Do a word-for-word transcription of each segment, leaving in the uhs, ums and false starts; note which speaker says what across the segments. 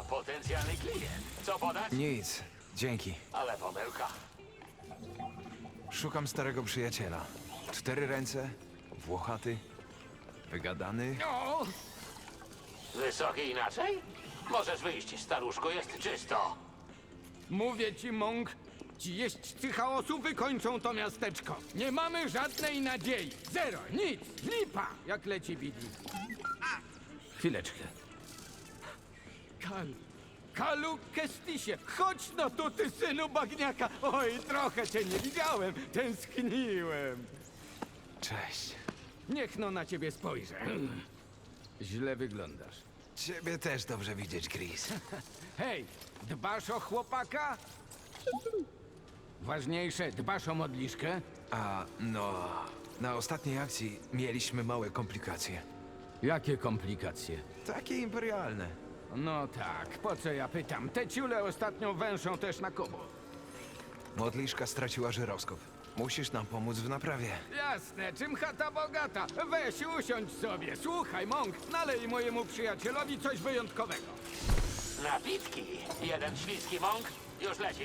Speaker 1: Potencjalny klient. Co podać?
Speaker 2: Nic, dzięki.
Speaker 1: Ale pomyłka.
Speaker 2: Szukam starego przyjaciela. Cztery ręce, włochaty, wygadany.
Speaker 3: O!
Speaker 1: Wysoki inaczej? Możesz wyjść, staruszku, jest czysto.
Speaker 3: Mówię ci, Mąk, ci jeźdźcy chaosu wykończą to miasteczko. Nie mamy żadnej nadziei. Zero, nic, lipa, jak leci Bidi. Chwileczkę. Kal, Kalu Kestisie, chodź no tu, ty synu bagniaka. Oj, trochę cię nie widziałem, tęskniłem.
Speaker 2: Cześć.
Speaker 3: Niech no na ciebie spojrzę. Źle wyglądasz.
Speaker 2: Ciebie też dobrze widzieć, Chris.
Speaker 3: Hej, dbasz o chłopaka? Ważniejsze, dbasz o modliszkę?
Speaker 2: A, no... Na ostatniej akcji mieliśmy małe komplikacje.
Speaker 3: Jakie komplikacje?
Speaker 2: Takie imperialne.
Speaker 3: No tak, po co ja pytam? Te ciule ostatnio węszą też na kobo.
Speaker 2: Modliszka straciła żyroskop. Musisz nam pomóc w naprawie.
Speaker 3: Jasne, czym chata bogata? Weź, usiądź sobie. Słuchaj, Mąk, nalej mojemu przyjacielowi coś wyjątkowego.
Speaker 1: Napitki. Jeden śliski mąk. Już leci.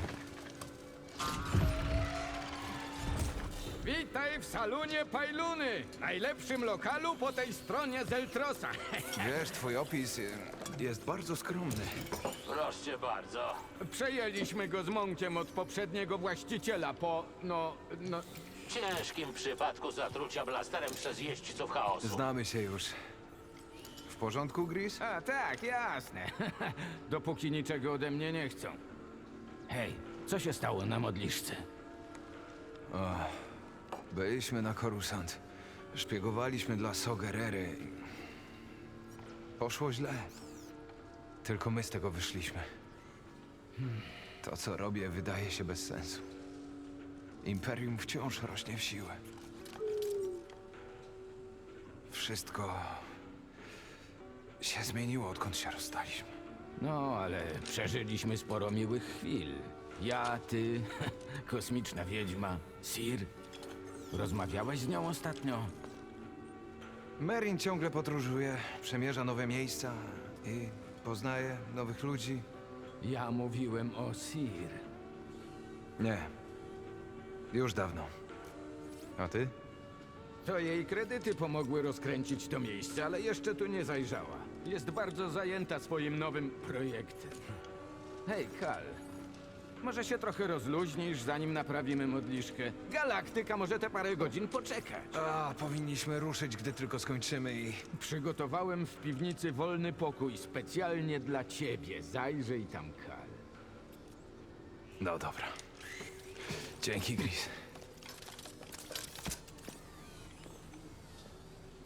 Speaker 3: Witaj w salonie Pajluny, najlepszym lokalu po tej stronie Zeltrosa.
Speaker 2: Wiesz, twój opis y, jest bardzo skromny.
Speaker 1: Proszę bardzo.
Speaker 3: Przejęliśmy go z Mąkiem od poprzedniego właściciela po, no, no...
Speaker 1: W ciężkim przypadku zatrucia blasterem przez jeźdźców chaosu.
Speaker 2: Znamy się już. W porządku, Gris?
Speaker 3: A tak, jasne. Dopóki niczego ode mnie nie chcą. Hej, co się stało na modliszce?
Speaker 2: Byliśmy na Coruscant. Szpiegowaliśmy dla Sogerery. Poszło źle. Tylko my z tego wyszliśmy. To, co robię, wydaje się bez sensu. Imperium wciąż rośnie w siłę. Wszystko się zmieniło, odkąd się rozstaliśmy.
Speaker 3: No, ale przeżyliśmy sporo miłych chwil. Ja, ty, kosmiczna wiedźma, Sir. Rozmawiałeś z nią ostatnio?
Speaker 2: Merin ciągle podróżuje, przemierza nowe miejsca i poznaje nowych ludzi.
Speaker 3: Ja mówiłem o Sir.
Speaker 2: Nie. Już dawno. A ty?
Speaker 3: To jej kredyty pomogły rozkręcić to miejsce, ale jeszcze tu nie zajrzała. Jest bardzo zajęta swoim nowym projektem. Hej, Kal. Może się trochę rozluźnisz, zanim naprawimy modliszkę. Galaktyka może te parę godzin poczekać.
Speaker 2: A, powinniśmy ruszyć, gdy tylko skończymy i...
Speaker 3: Przygotowałem w piwnicy wolny pokój specjalnie dla ciebie. Zajrzyj tam, Kal.
Speaker 2: No dobra. Dzięki, Gris.